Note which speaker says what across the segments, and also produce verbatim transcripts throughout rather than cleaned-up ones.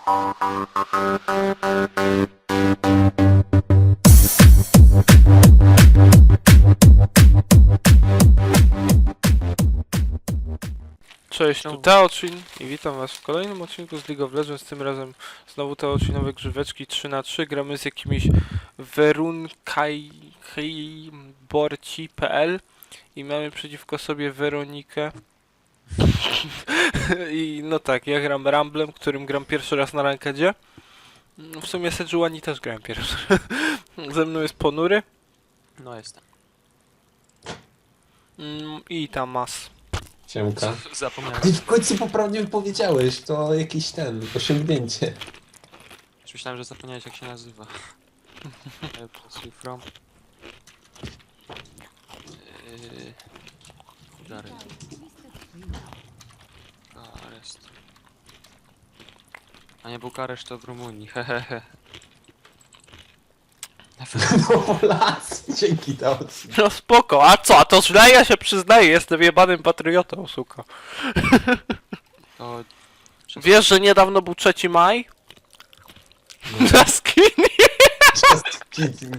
Speaker 1: Cześć, tu Teoczyn i witam was w kolejnym odcinku z League of Legends, tym razem znowu Teoczynowe grzyweczki trzy na trzy, gramy z jakimiś werunkajborci kropka p l i mamy przeciwko sobie Weronikę. I no tak, ja gram Ramblem, którym gram pierwszy raz na rankedzie. W sumie Sejuani też grałem pierwszy. Ze mną jest Ponury.
Speaker 2: No jestem.
Speaker 1: I Tamas.
Speaker 3: Siemka.
Speaker 2: Zapomniałem.
Speaker 3: Ty w końcu poprawnie powiedziałeś, to jakiś ten, osiągnięcie.
Speaker 2: Już myślałem, że zapomniałeś jak się nazywa. Pussy from. Yy... Jary. Bukareszt. A nie Bukareszt to w Rumunii, hehehe.
Speaker 3: No las, dzięki Taocy.
Speaker 1: No spoko, a co? A to źle, ja się przyznaję, jestem jebanym patriotą, suka.
Speaker 2: To...
Speaker 1: Wiesz, że niedawno był trzeci maj? Na skin.
Speaker 3: Just kidding.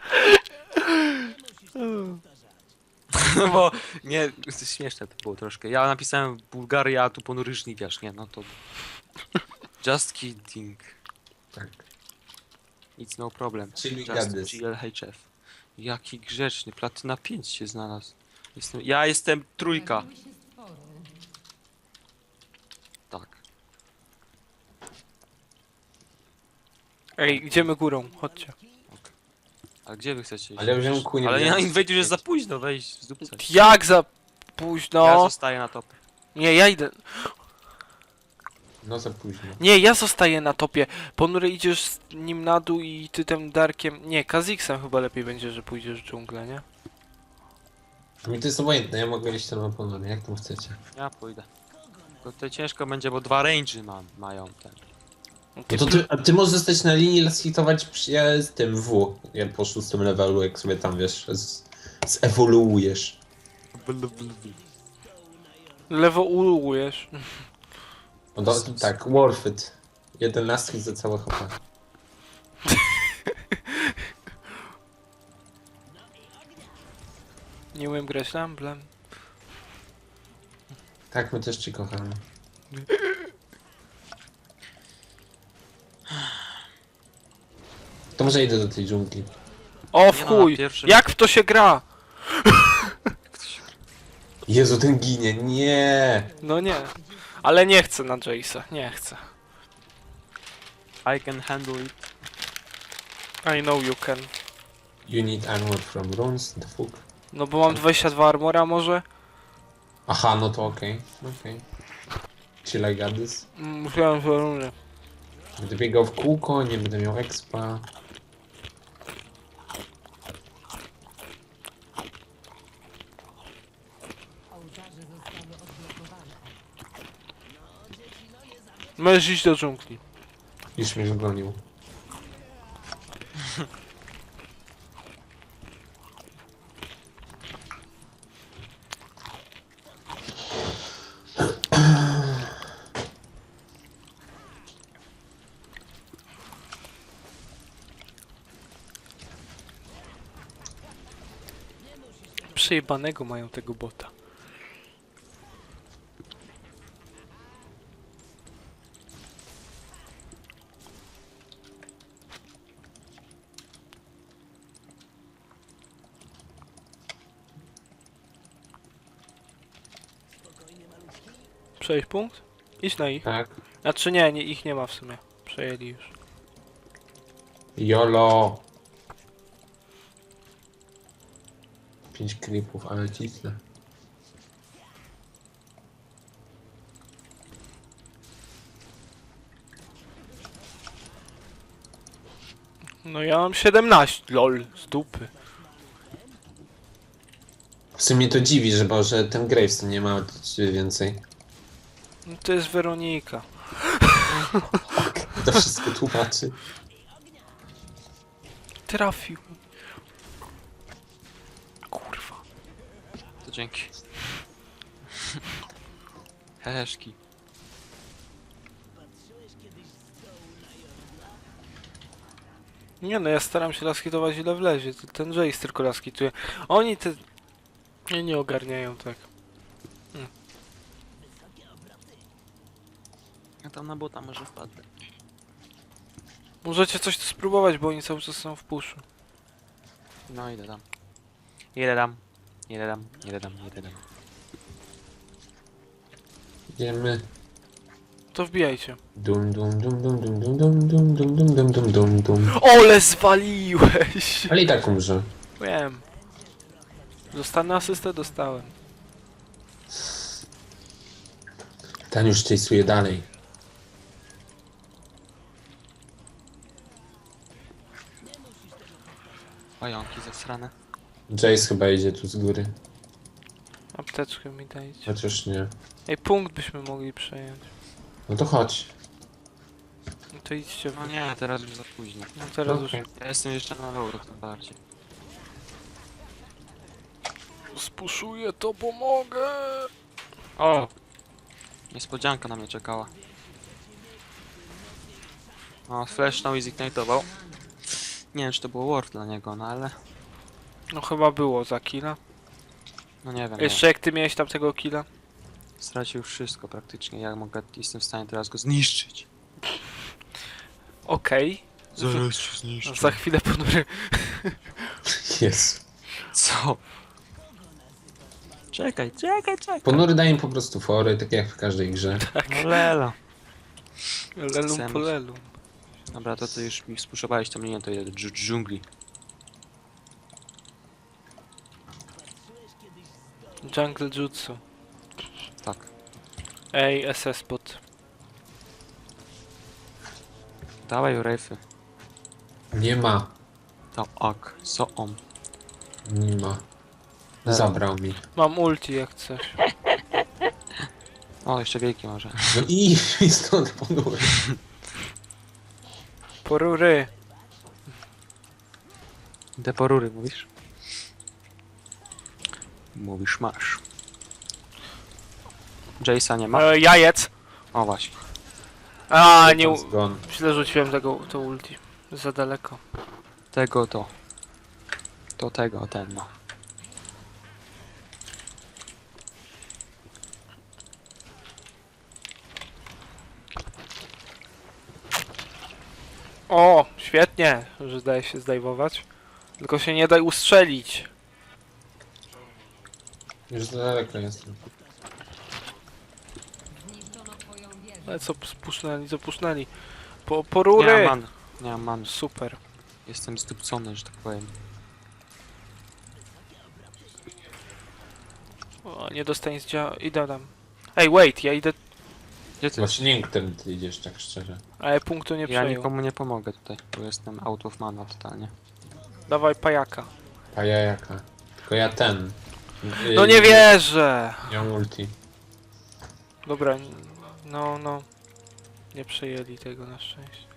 Speaker 2: No bo... Nie, śmieszne to było troszkę. Ja napisałem Bułgaria, a tu ponury żniwiarz, nie? No to... Just kidding.
Speaker 3: Tak.
Speaker 2: It's no problem.
Speaker 3: Czyli
Speaker 2: Just
Speaker 3: gadys.
Speaker 2: G L H F. Jaki grzeczny, platyna pięć się znalazł. Jestem, ja jestem trójka. Tak.
Speaker 1: Ej, idziemy górą, chodźcie.
Speaker 2: A gdzie wy chcecie iść?
Speaker 3: Ale ja wziąłem kunię.
Speaker 2: Ale na Invade już jest za późno, weź z dupce.
Speaker 1: Jak za
Speaker 2: Ja
Speaker 1: późno?
Speaker 2: zostaję na top.
Speaker 1: Nie, ja idę.
Speaker 3: No za późno.
Speaker 1: Nie, ja zostaję na topie. Ponury idziesz z nim na dół i ty tym Darkiem... Nie, Kha'Zixem chyba lepiej będzie, że pójdziesz w dżunglę, nie?
Speaker 3: Mi to jest obojętne, ja mogę iść tam na ponury, jak tam chcecie.
Speaker 2: Ja pójdę. To tutaj ciężko będzie, bo dwa range'y mam, mają ten.
Speaker 3: No to ty, a ty możesz zostać na linii, las hitować przy, ja z tym W. Ja po szóstym levelu, jak sobie tam wiesz, z, zewoluujesz.
Speaker 1: Lewo ulujesz.
Speaker 3: No do, tak, worth it. Jeden last hit za całe H P.
Speaker 1: Nie umiem grać Ramblem.
Speaker 3: Tak, my też cię kochamy. To może idę do tej dżungli.
Speaker 1: O w
Speaker 2: Nie no,
Speaker 1: chuj!
Speaker 2: na pierwszym-
Speaker 1: Jak w to się gra?
Speaker 3: Jezu, ten ginie, nie!
Speaker 1: No nie. Ale nie chcę na Jace'a, nie chcę.
Speaker 2: I can handle it.
Speaker 1: I know you can.
Speaker 3: You need armor from runes, the fuck.
Speaker 1: No bo mam dwadzieścia dwa armora może?
Speaker 3: Aha, no to okej, okay. okej. Okay. Chill, I got this.
Speaker 1: Musiałem że runy.
Speaker 3: Będę biegał w kółko, nie będę miał expa.
Speaker 1: Możesz iść do dżungli.
Speaker 3: Już mnie zgonił.
Speaker 1: Przejebanego mają tego bota. Przejść punkt? Idź na ich.
Speaker 3: Tak.
Speaker 1: Znaczy nie, nie, ich nie ma w sumie. Przejęli już.
Speaker 3: YOLO! Pięć creepów, ale cisnę.
Speaker 1: No ja mam siedemnaście, lol, z dupy.
Speaker 3: W sumie to dziwi, że, bo, że ten Gravestone nie ma więcej.
Speaker 1: No to jest Weronika.
Speaker 3: To wszystko tłumaczy.
Speaker 1: Trafił. Kurwa.
Speaker 2: To dzięki. Heheszki.
Speaker 1: Nie no, ja staram się laskitować ile wlezie. to Ten Jace tylko laskituje. Oni te... Nie, nie ogarniają tak.
Speaker 2: Ja tam na bota może wpadnę.
Speaker 1: Możecie coś tu spróbować, bo oni cały czas są w puszu.
Speaker 2: No idę tam. Idę tam. Idę tam, idę tam, idę tam.
Speaker 3: Idziemy.
Speaker 1: To wbijajcie.
Speaker 3: Dum dum dum dum dum dum dum dum dum dum dum dum dum dum.
Speaker 1: Ole zwaliłeś!
Speaker 3: Ale i tak umrze.
Speaker 1: Wiem. Dostanę asystę? Dostałem.
Speaker 3: Ten już chase'uje dalej.
Speaker 2: Pająki zasrane.
Speaker 3: Jace chyba idzie tu z góry.
Speaker 1: Apteczkę mi dajcie.
Speaker 3: Chociaż nie.
Speaker 1: Ej, punkt byśmy mogli przejąć.
Speaker 3: No to chodź.
Speaker 1: No to idźcie.
Speaker 2: No nie, teraz już za późno.
Speaker 1: No teraz
Speaker 3: Okej.
Speaker 1: już
Speaker 2: Ja jestem jeszcze na euro tym bardziej.
Speaker 1: spuszuję, to pomogę.
Speaker 2: O! Niespodzianka na mnie czekała. O, flashnął i zignitował. Nie wiem, czy to było worth dla niego, no ale...
Speaker 1: No chyba było za killa.
Speaker 2: No nie wiem,
Speaker 1: Jeszcze jak ty miałeś tam tego killa?
Speaker 2: nie. Stracił wszystko praktycznie. Ja mogę, jestem w stanie teraz go zniszczyć.
Speaker 1: Okej.
Speaker 2: Zaraz się zniszczę.
Speaker 1: Za chwilę ponury.
Speaker 3: Jest.
Speaker 2: Co? Czekaj, czekaj, czekaj.
Speaker 3: Ponury dają po prostu fory, tak jak w każdej grze.
Speaker 2: No lela.
Speaker 1: Lelum
Speaker 2: Chcemy.
Speaker 1: po lelum.
Speaker 2: Dobra, to ty już mi spuszowałeś tą linię, to jedę do dżu- dżungli.
Speaker 1: Jungle Jutsu.
Speaker 2: Tak.
Speaker 1: Ej, S S bot.
Speaker 2: Dawaj rejfy.
Speaker 3: Nie ma.
Speaker 2: To ok, co on.
Speaker 3: Nie ma. Zabrał mi.
Speaker 1: Mam ulti jak chcesz.
Speaker 2: O, jeszcze wielki może.
Speaker 3: No i, i stąd ponury.
Speaker 1: Porury.
Speaker 2: Deporury mówisz? Mówisz masz. Jace'a nie ma?
Speaker 1: E, jajec.
Speaker 2: O właśnie.
Speaker 1: A, nie... u-
Speaker 3: Zgon.
Speaker 1: Źle rzuciłem tego, to ulti. Za daleko.
Speaker 2: Tego to. To tego, ten no.
Speaker 1: O, świetnie, że daje się zdejmować. Tylko się nie daj ustrzelić.
Speaker 3: Już za daleko jestem.
Speaker 1: Ale co spusznęli, co pusznęli. Po, po
Speaker 2: Nie
Speaker 1: rury.
Speaker 2: mam man. Nie mam man.
Speaker 1: Super.
Speaker 2: Jestem zdupcony, że tak powiem.
Speaker 1: O, nie dostaniesz dzia... Idę tam. Ej, wait, ja idę...
Speaker 2: Gdzie ty?
Speaker 3: Właśnie nie wiem, którym ty idziesz, tak szczerze.
Speaker 1: Ale punktu nie
Speaker 2: Ja
Speaker 1: przejął.
Speaker 2: nikomu nie pomogę tutaj, bo jestem out of mana totalnie.
Speaker 1: Dawaj pajaka.
Speaker 3: A ja jaka? Tylko ja ten. Y,
Speaker 1: No nie wierzę!
Speaker 3: Nie mam ulti.
Speaker 1: Dobra, n- no, no. Nie przejęli tego na szczęście.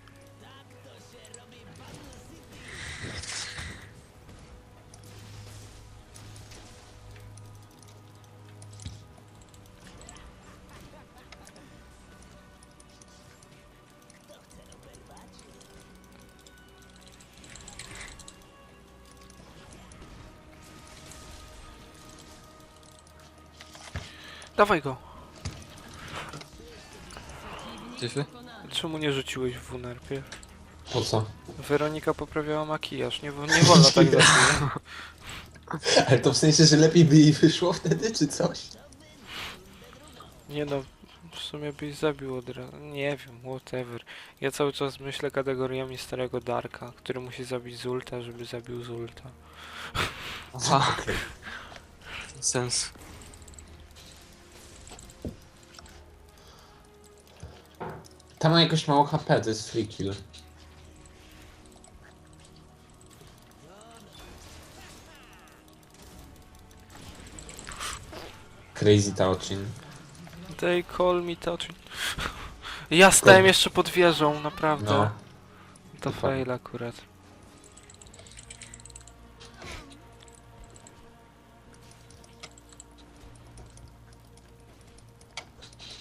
Speaker 1: Dawaj go.
Speaker 2: Tyfy?
Speaker 1: Czemu nie rzuciłeś w W najpierw?
Speaker 3: Po co?
Speaker 1: Weronika poprawiała makijaż. Nie, wo- nie wolno tak zrobić.
Speaker 3: Ale to w sensie, że lepiej by jej wyszło wtedy, czy coś?
Speaker 1: Nie no, w sumie byś zabił od razu. Nie wiem, whatever. Ja cały czas myślę kategoriami starego Darka, który musi zabić z ulta, żeby zabił z ulta.
Speaker 2: Aha. Sens.
Speaker 3: Tam ma jakoś mało H P, to jest free kill. Crazy Taochin.
Speaker 1: They call me touching. Ja stałem jeszcze pod wieżą, naprawdę.
Speaker 3: No.
Speaker 1: To
Speaker 3: Dokładnie.
Speaker 1: fail akurat.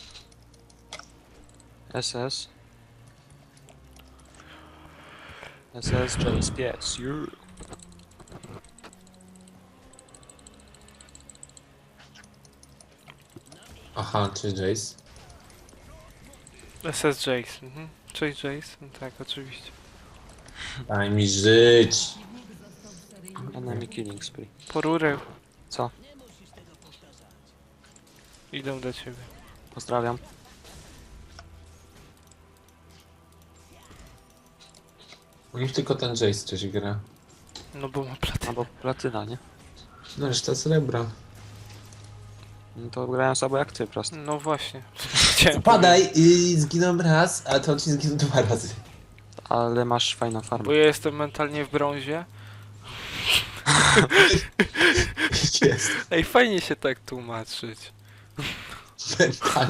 Speaker 2: S S. S S J Pies, you.
Speaker 3: Aha, czy Jace?
Speaker 1: S S Jace. Mhm. Cześć Jace. No tak, oczywiście.
Speaker 3: Daj mi żyć.
Speaker 2: Enemy killing spree.
Speaker 1: Po rurę.
Speaker 2: Co?
Speaker 1: Idą do ciebie.
Speaker 2: Pozdrawiam.
Speaker 3: U nich tylko ten Jace coś gra.
Speaker 1: No bo ma platynę.
Speaker 2: Albo platyna, nie?
Speaker 3: No reszta srebra.
Speaker 2: No to grają słabo jak ty, prosto.
Speaker 1: No właśnie. Chciałem
Speaker 3: Padaj i zginął raz, a to ci zginął dwa razy.
Speaker 2: Ale masz fajną farmę.
Speaker 1: Bo ja jestem mentalnie w brązie.
Speaker 3: Jest.
Speaker 1: Ej, fajnie się tak tłumaczyć.
Speaker 3: Mentalnie.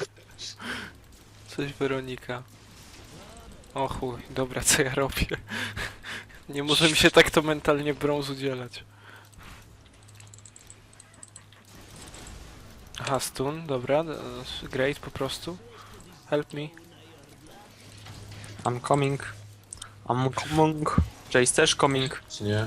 Speaker 1: Cześć Weronika. O chuj, dobra, co ja robię? Nie może mi się tak to mentalnie brąz udzielać. Aha, stun, dobra, e, great po prostu. Help me.
Speaker 2: I'm coming. I'm coming. Jace też coming.
Speaker 3: Czy nie?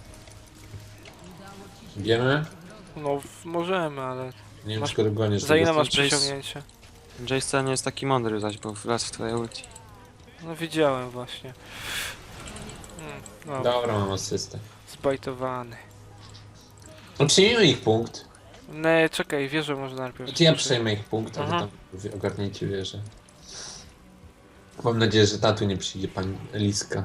Speaker 3: Wiemy?
Speaker 1: No, w- możemy, ale...
Speaker 3: Nie wiem,
Speaker 1: Masz-
Speaker 3: czy go dogoniesz.
Speaker 1: Za ile masz
Speaker 2: Jace-
Speaker 1: przyciągnięcie?
Speaker 2: Jace wcale nie jest taki mądry zaś, bo wlazł w twoje ulti.
Speaker 1: No widziałem właśnie. Mm, no,
Speaker 3: Dobra, mam asystę.
Speaker 1: zbajtowany.
Speaker 3: No przyjmijmy ich punkt.
Speaker 1: Nie, czekaj, wieżę może najpierw.
Speaker 3: Znaczy ja przejmę ich punkt, a wy
Speaker 1: Aha.
Speaker 3: tam wy ogarnięcie wieżę. Mam nadzieję, że tatu nie przyjdzie pani Liska.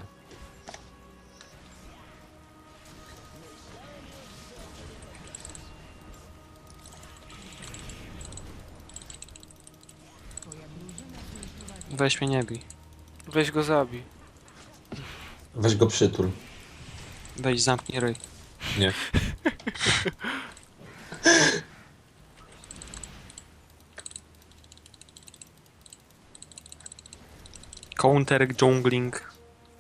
Speaker 2: Weź mnie nie bij.
Speaker 1: Weź go zabij.
Speaker 3: Weź go przytul.
Speaker 2: Weź zamknij ryj.
Speaker 3: Nie.
Speaker 2: Counter jungling.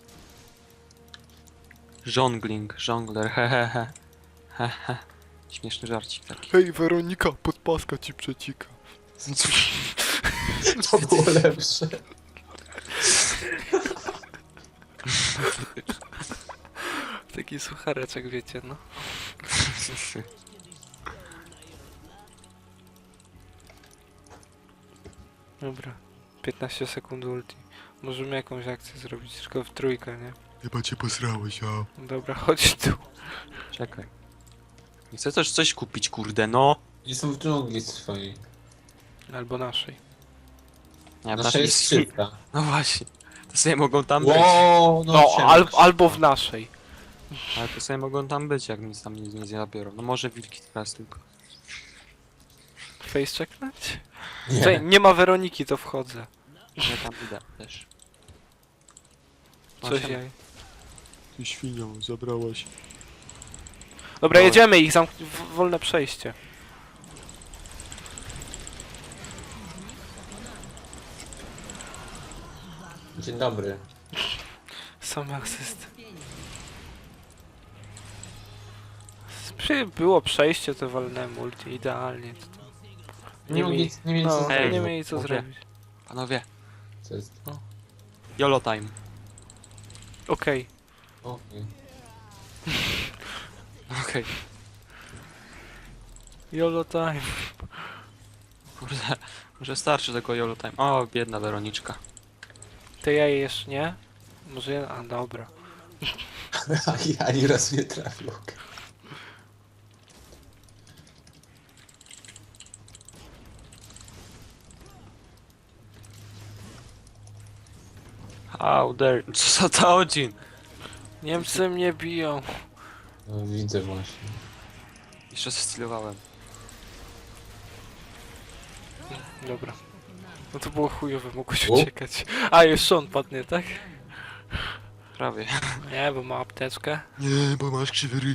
Speaker 2: Jongling, jongler, hehehe. Hehe. Śmieszny żarcik taki.
Speaker 1: Hej Weronika, podpaska ci przecika.
Speaker 3: To było lepsze.
Speaker 1: Taki suchareczek, wiecie, no. Dobra. piętnaście sekund ulti. Możemy jakąś akcję zrobić, tylko w trójkę, nie?
Speaker 4: Chyba cię posrałeś, a?
Speaker 1: Dobra, chodź tu.
Speaker 2: Czekaj. Nie chcę też coś kupić, kurde, no.
Speaker 3: I są w dżungli swojej.
Speaker 1: Albo naszej.
Speaker 2: Nie,
Speaker 3: Nasza jest
Speaker 2: nic-
Speaker 3: skrzydka.
Speaker 2: No właśnie. To sobie mogą tam być.
Speaker 3: Wow,
Speaker 1: No,
Speaker 3: siema.
Speaker 1: al albo w naszej.
Speaker 2: Ale to sobie mogą tam być, jak nic tam nie, nie zabiorą. No może wilki teraz tylko.
Speaker 1: Face checknąć?
Speaker 3: Nie.
Speaker 1: Czekaj, nie ma Weroniki, to wchodzę.
Speaker 2: Ja tam idę też. O,
Speaker 1: Coś
Speaker 2: siema.
Speaker 1: jaj.
Speaker 4: Ty świnią, zabrałaś.
Speaker 1: Dobra,
Speaker 2: No.
Speaker 1: jedziemy ich, zamk w- wolne przejście.
Speaker 3: Dzień dobry.
Speaker 1: Same asysty. Przy- Było przejście, to walnąłem multi, idealnie. To tam.
Speaker 3: Nie,
Speaker 1: Nie
Speaker 3: mogli,
Speaker 1: mieli,
Speaker 3: nie mieli
Speaker 1: no,
Speaker 3: co
Speaker 2: Ej,
Speaker 1: nie
Speaker 3: zrobić.
Speaker 1: mieli co
Speaker 2: mówię.
Speaker 1: zrobić.
Speaker 2: Panowie,
Speaker 3: Co jest?
Speaker 2: YOLO time.
Speaker 1: Okej.
Speaker 3: Okej.
Speaker 2: Okej.
Speaker 1: YOLO time.
Speaker 2: Kurde, może starczy tego YOLO time. O, biedna Weroniczka.
Speaker 1: Te jaje jeszcze nie? Może ja... A, dobra.
Speaker 3: Ja ani raz nie trafił.
Speaker 2: How dare... Co za to Odin?
Speaker 1: Niemcy mnie biją.
Speaker 3: No, widzę właśnie.
Speaker 2: Jeszcze zestylowałem.
Speaker 1: Dobra. No to było chujowe, mogłeś
Speaker 3: U?
Speaker 1: uciekać. A, jeszcze on padnie, tak?
Speaker 2: Prawie.
Speaker 1: Nie, bo ma apteczkę.
Speaker 4: Nie, bo masz krzywy ryj.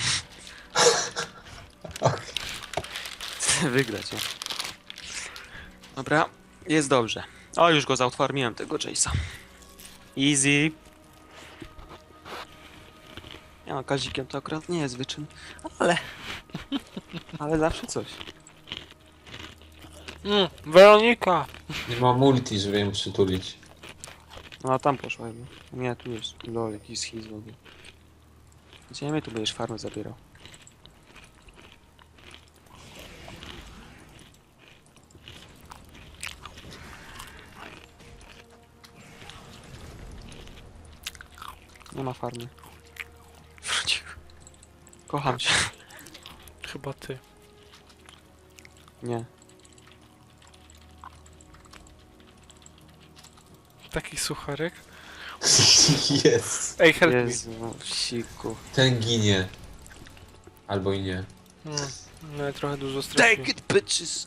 Speaker 2: Wygrać, o. Dobra, jest dobrze. O, już go zautwarmiłem, tego Jace'a. Easy. Ja no, kazikiem to akurat nie jest wyczyn, ale... Ale zawsze coś.
Speaker 1: Mm, Weronika!
Speaker 3: Nie ma multi, żeby ją przytulić.
Speaker 2: No a tam poszła chyba. Nie, tu jest. Lol, jakiś schiz w ogóle. Gdzie mnie tu będziesz farmę zabierał? Nie ma farmy. Wrócił. Kocham cię.
Speaker 1: Chyba ty.
Speaker 2: Nie.
Speaker 1: Taki sucharek.
Speaker 3: Jest.
Speaker 1: Ej, help
Speaker 2: Jezu, no, siku.
Speaker 3: Ten ginie. Albo i nie.
Speaker 1: me. Mm, no ja trochę dużo straciłem.
Speaker 2: it, bitches!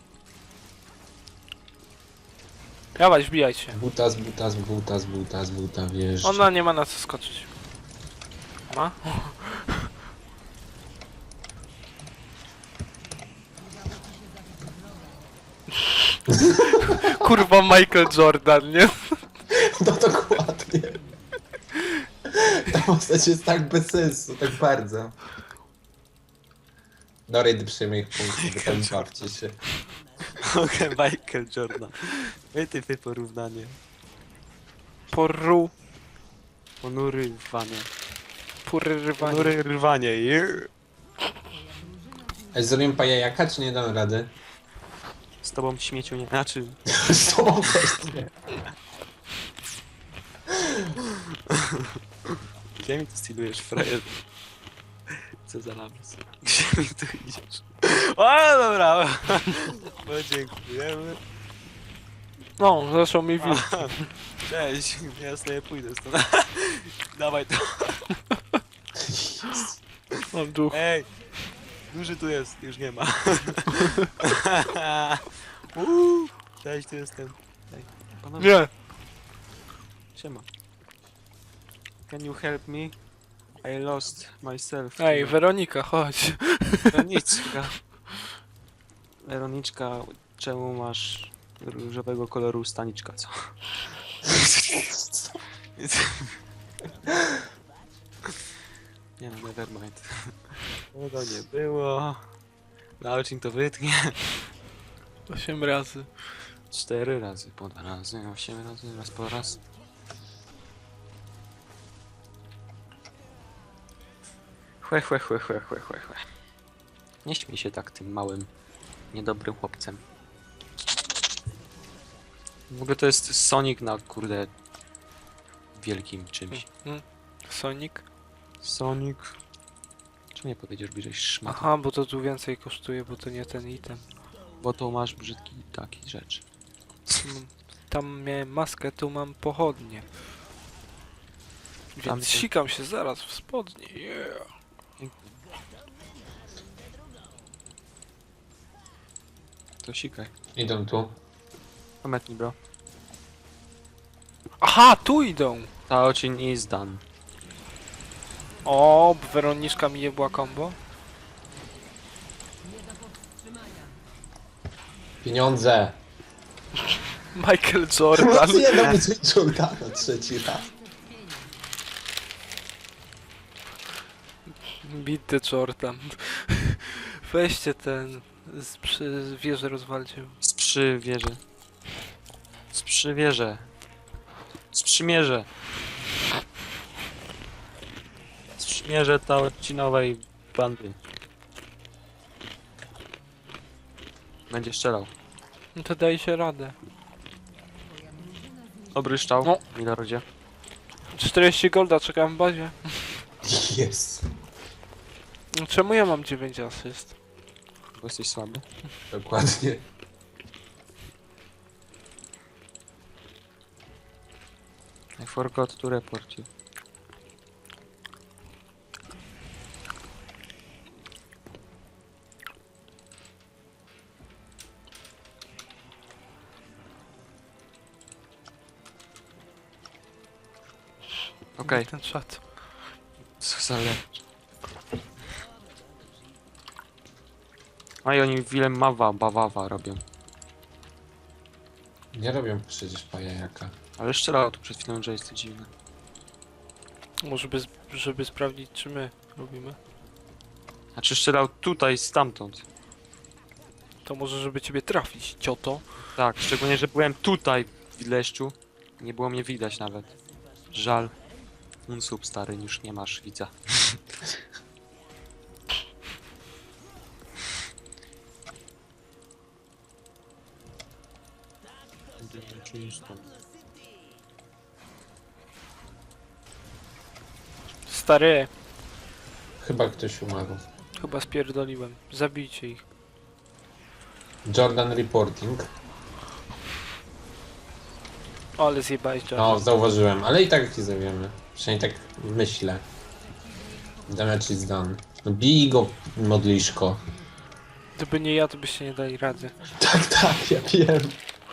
Speaker 1: Dawaj, wbijaj się.
Speaker 3: Buta z buta z buta z buta z buta, wiesz.
Speaker 1: Ona nie ma na co skoczyć. Ma? Kurwa Michael Jordan, nie?
Speaker 3: No dokładnie. Ta postać jest tak bez sensu, tak bardzo. No Raid przyjmie ich punkty, bo tam bawcie się.
Speaker 2: Okej, Michael Jordan. Wytypy porównanie.
Speaker 1: Poru...
Speaker 2: Ponury rwanie.
Speaker 1: Porywanie.
Speaker 2: Ponury rwanie. yeah.
Speaker 3: A zrobiłem pajajaka, czy nie dam rady?
Speaker 2: Z tobą śmieciu nie... Znaczy...
Speaker 3: Z tobą też nie.
Speaker 2: Gdzie mi tu stylujesz, frajer? Co za lamus? Gdzie mi tu idziesz? O, dobra! No dziękujemy.
Speaker 1: No, zaczął mi widzieć.
Speaker 2: Cześć, ja sobie pójdę stąd. Dawaj to.
Speaker 1: Mam duch.
Speaker 2: Ej! Duży tu jest, już nie ma. Uuu, cześć, tu jestem. Ej, panowie,
Speaker 1: Nie.
Speaker 2: siema. Can you help me? I lost myself.
Speaker 1: Ej, Weronika, chodź.
Speaker 2: Weroniczka. Weroniczka, czemu masz różowego koloru staniczka, co? Nie no, nevermind. No to nie było. Nalczyn to wytnie.
Speaker 1: Osiem razy.
Speaker 2: Cztery razy, po dwa razy, osiem razy, raz po raz. Chłe, chłe, chłe, chłe, chłe, chłe, chłe. Nie śmiej się tak tym małym, niedobrym chłopcem. W ogóle to jest Sonic na kurde wielkim czymś.
Speaker 1: Mhm. Sonic?
Speaker 2: Sonic. Czemu nie podejdziesz bliżej szmat?
Speaker 1: Aha, bo to tu więcej kosztuje, bo to nie ten item.
Speaker 2: Bo to masz brzydki taki rzecz.
Speaker 1: Mm, Tam miałem maskę, tu mam pochodnie.
Speaker 2: Tam
Speaker 1: Więc
Speaker 2: to-
Speaker 1: sikam się zaraz w spodnie. Yeah.
Speaker 2: To sikaj.
Speaker 3: Idą tu.
Speaker 2: Pometnij, bro.
Speaker 1: Aha, tu idą!
Speaker 2: Taocin is done.
Speaker 1: O, Weroniczka mi jebła combo.
Speaker 3: Pieniądze.
Speaker 1: Michael Jordan.
Speaker 3: Nie dam coś Jordana trzeci raz.
Speaker 1: Beat the Jordan. Weźcie ten. Z przy wieży rozwalcie.
Speaker 2: Sprzywierze. Sprzywierze. Sprzymierze. Sprzymierze taocinowej bandy. Będzie strzelał.
Speaker 1: No to daj się radę.
Speaker 2: Dobry szczał,
Speaker 1: No.
Speaker 2: Milorodzie.
Speaker 1: czterdzieści golda czekam w bazie.
Speaker 3: Jest.
Speaker 1: No czemu ja mam dziewięć asyst?
Speaker 2: Bo jesteś słaby.
Speaker 3: Dokładnie.
Speaker 2: I forgot to report you. Okej,
Speaker 1: Ten czat.
Speaker 2: co za lecz. A i oni Willem Mawa, Bawawa robią.
Speaker 3: Nie robią przecież pajajaka.
Speaker 2: Ale strzelał tu przed chwilą, że jest to dziwne.
Speaker 1: Może by, żeby sprawdzić czy my robimy.
Speaker 2: Znaczy strzelał tutaj, stamtąd.
Speaker 1: To może żeby ciebie trafić, cioto.
Speaker 2: Tak, szczególnie, że byłem tutaj w leszczu. Nie było mnie widać nawet. Żal. Unsub stary, już nie masz widza.
Speaker 1: Stary,
Speaker 3: Chyba ktoś umarł.
Speaker 1: chyba spierdoliłem. Zabijcie ich.
Speaker 3: Jordan reporting.
Speaker 1: O, ale zjebałeś Jordan.
Speaker 3: No, zauważyłem, ale i tak ich zawiemy. Przynajmniej tak myślę. Damage is done. No bij go, modliszko.
Speaker 1: Gdyby nie ja, to byście nie dali rady.
Speaker 3: Tak, tak, ja wiem.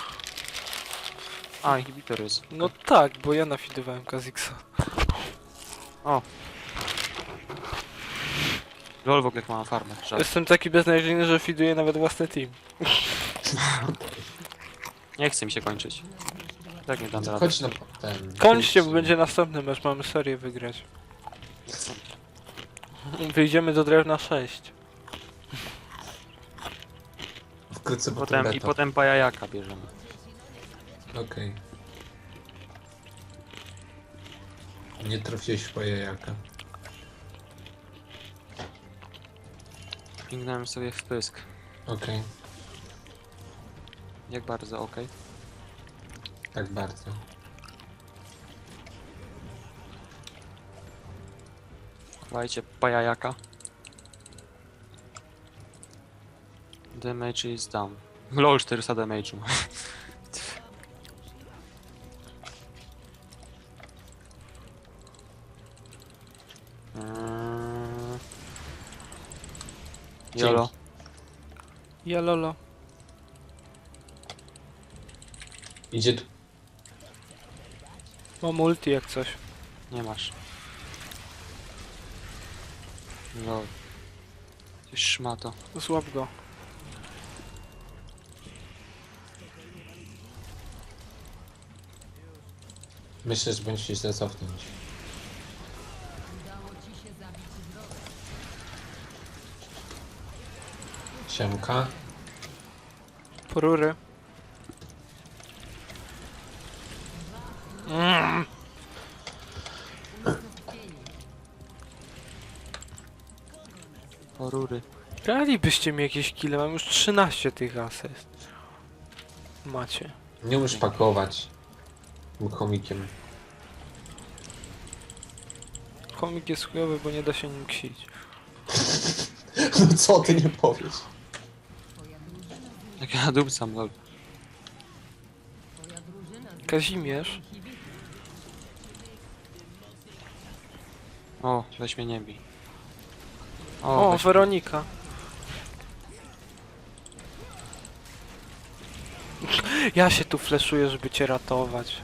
Speaker 2: A, inhibitor jest.
Speaker 1: No tak, bo ja nafidowałem Kha'Zix.
Speaker 2: O. Lol, w ogóle jak mam farmę. Żal.
Speaker 1: Jestem taki beznadziejny, że fiduję nawet własny team.
Speaker 2: Nie chce mi się kończyć. Tak nie dam rady.
Speaker 3: Chodź na ten.
Speaker 1: Kończcie, bo będzie następny mecz, mamy serię wygrać. Wyjdziemy do drewna sześć.
Speaker 3: Wkrótce potem
Speaker 2: Potem, I
Speaker 3: beta.
Speaker 2: potem pajajaka bierzemy.
Speaker 3: Okej. Nie trafiłeś w jajaka.
Speaker 2: Pingnąłem sobie w pysk.
Speaker 3: Okej,
Speaker 2: Jak bardzo, okej.
Speaker 3: tak bardzo.
Speaker 2: Chowajcie pajajaka. Damage is down. Lol, czterysta damage'u. Eee... Jolo.
Speaker 1: Ja lolo.
Speaker 3: Idzie tu.
Speaker 1: Mam multi jak coś.
Speaker 2: Nie masz. Lol. Ty szmato.
Speaker 1: Złap go.
Speaker 3: Myślę, że będziesz się źle cofnąć. Siemka.
Speaker 1: Porury. Mm.
Speaker 2: Porury.
Speaker 1: Dalibyście mi jakieś kile, mam już trzynaście tych asyst. Macie.
Speaker 3: Nie umiesz pakować. Był chomikiem.
Speaker 1: Komik jest chujowy, bo nie da się nim ksić.
Speaker 3: No co ty nie powiesz?
Speaker 2: Jak ja dupcam, lol.
Speaker 1: Kazimierz.
Speaker 2: O, weź mnie nie bij.
Speaker 1: O,
Speaker 2: weź
Speaker 1: Weronika. Ja się tu fleszuję, żeby cię ratować.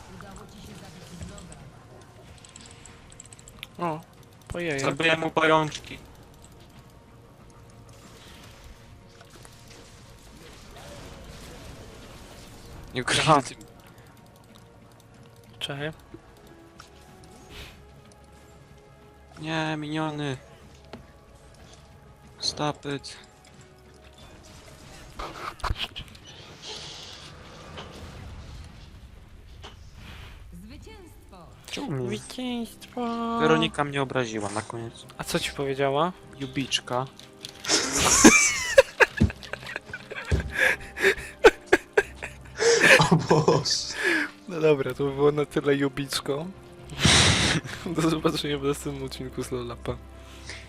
Speaker 1: O, pojej.
Speaker 2: Zabiję mu pajączki. Nie
Speaker 1: Aha.
Speaker 2: ukryty.
Speaker 1: Czekaj.
Speaker 2: Nie, miniony. Stop it.
Speaker 5: Zwycięstwo!
Speaker 2: Czemu?
Speaker 1: Zwycięstwo.
Speaker 2: Weronika mnie obraziła na koniec.
Speaker 1: A co ci powiedziała?
Speaker 2: Jubiczka.
Speaker 3: O Boże.
Speaker 1: No dobra, to by było na tyle jubiczką. Do zobaczenia w następnym odcinku z Lolapa.